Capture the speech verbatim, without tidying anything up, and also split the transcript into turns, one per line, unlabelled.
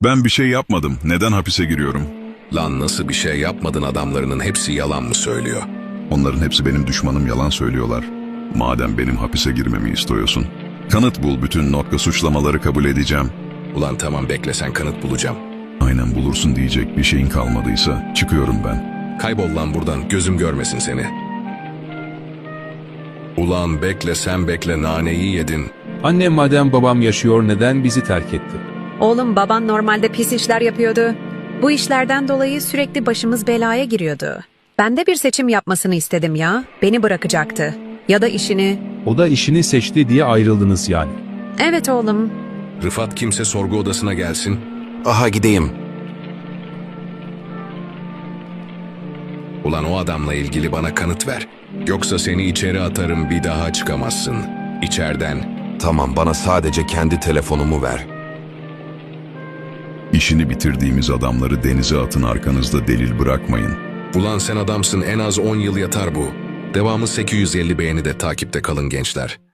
Ben bir şey yapmadım. Neden hapise giriyorum?
Lan nasıl bir şey yapmadın, adamlarının hepsi yalan mı söylüyor?
Onların hepsi benim düşmanım, yalan söylüyorlar. Madem benim hapise girmemi istiyorsun, kanıt bul, bütün nokta suçlamaları kabul edeceğim.
Ulan tamam, bekle, sen kanıt bulacağım.
Aynen, bulursun diyecek bir şeyin kalmadıysa çıkıyorum ben.
Kaybol lan buradan, gözüm görmesin seni. Ulan bekle, sen bekle, naneyi yedin.
Annem madem babam yaşıyor neden bizi terk etti?
Oğlum, baban normalde pis işler yapıyordu. Bu işlerden dolayı sürekli başımız belaya giriyordu. Ben de bir seçim yapmasını istedim ya. Beni bırakacaktı. Ya da işini.
O da işini seçti diye ayrıldınız yani.
Evet oğlum.
Rıfat, kimse sorgu odasına gelsin.
Aha gideyim.
Ulan o adamla ilgili bana kanıt ver. Yoksa seni içeri atarım, bir daha çıkamazsın. İçeriden.
Tamam, bana sadece kendi telefonumu ver.
İşini bitirdiğimiz adamları denize atın, arkanızda delil bırakmayın.
Ulan sen adamsın, en az on yıl yatar bu. Devamı sekiz yüz elli beğeni de takipte kalın gençler.